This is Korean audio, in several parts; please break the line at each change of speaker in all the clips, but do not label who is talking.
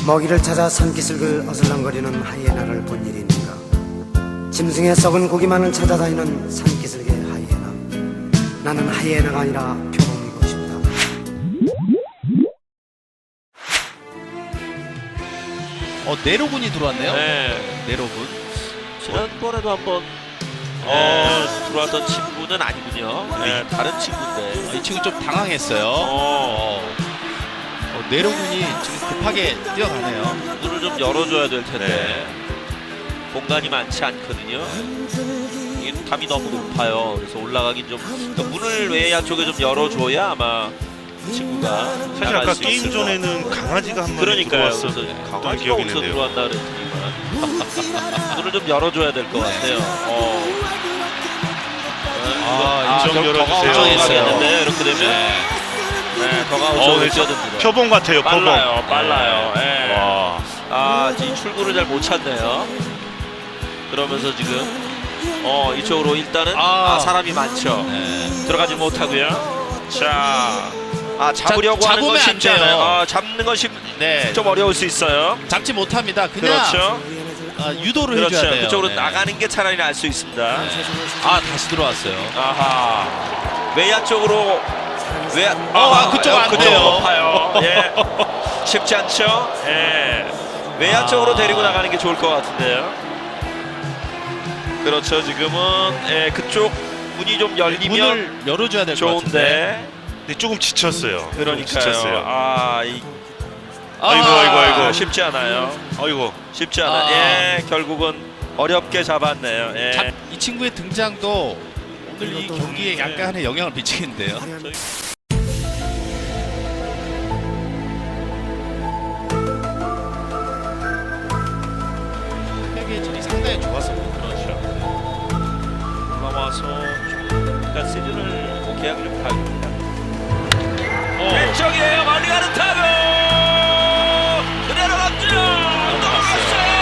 먹이를 찾아 산기슭을 어슬렁거리는 하이에나를 본 일이 있는가. 짐승의 썩은 고기만을 찾아다니는 산기슭의 하이에나. 나는 하이에나가 아니라 표범이고 싶다.
네로군이 들어왔네요.
네.
네로군.
지난번에도 한번 들어왔던 친구는 아니군요. 네, 다른 친구인데.
이 친구 좀 당황했어요. 네로군이 지금 급하게 뛰어가네요.
문을 좀 열어줘야 될 텐데 공간이 많지 않거든요. 이게 담이 너무 높아요. 그래서 올라가긴 좀 그러니까 문을 외야 쪽에 좀 열어줘야 아마 친구가
사실
나갈
아까
수
게임
있을 것
전에는 강아지가 한 마리
그러니까요.
들어왔었던
그래서 강아지가
기억이
어디서
있는데요.
들어왔나 그랬더니만 문을 좀 열어줘야 될 것 같아요.
좀 열어주세요.
걱정했어요. 이렇게 되면 더가 우측으로 뛰어듭니다.
표범 같아요. 표범.
빨라요. 예.
와.
지금 출구를 잘 못 찾네요. 그러면서 지금 이쪽으로 일단은 사람이 많죠. 들어가지 못하고요. 자, 잡으려고 하는 건 쉽지 않아요. 잡는 건 좀 어려울 수 있어요.
잡지 못합니다. 그냥
그렇죠.
유도를
그렇죠.
해줘야 돼요.
그쪽으로 나가는 게 차라리 나을 수 있습니다.
다시 들어왔어요.
아하. 외야 쪽으로
그쪽 안 돼요.
높아요. 예. 쉽지 않죠. 예. 외야 쪽으로 데리고 나가는 게 좋을 것 같은데요. 그렇죠. 지금은 그쪽 문이 좀 열리면
문을 열어줘야 될 것 같은데.
좋은데.
근데 조금 지쳤어요.
그러니까요.
지쳤어요.
아이고 쉽지 않아요.
아이고.
쉽지 않아. 예, 결국은 어렵게 잡았네요. 예.
이 친구의 등장도 오늘 이 경기에 약간의 영향을 미치겠는데요. 회계의 질이 상당히 좋았었고
그렇죠. 올라와서 그러니까 시즌을 계약을 좀 가입니다. 왼쪽이에요. 멀리 가는 타구 그대로 갔죠. 넘어갔어요.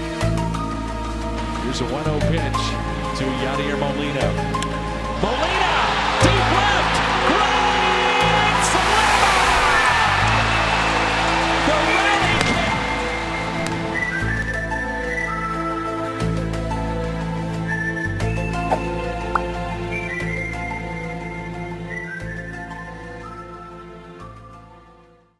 Here's a 1-0 pitch to Yadier Molina. Molina!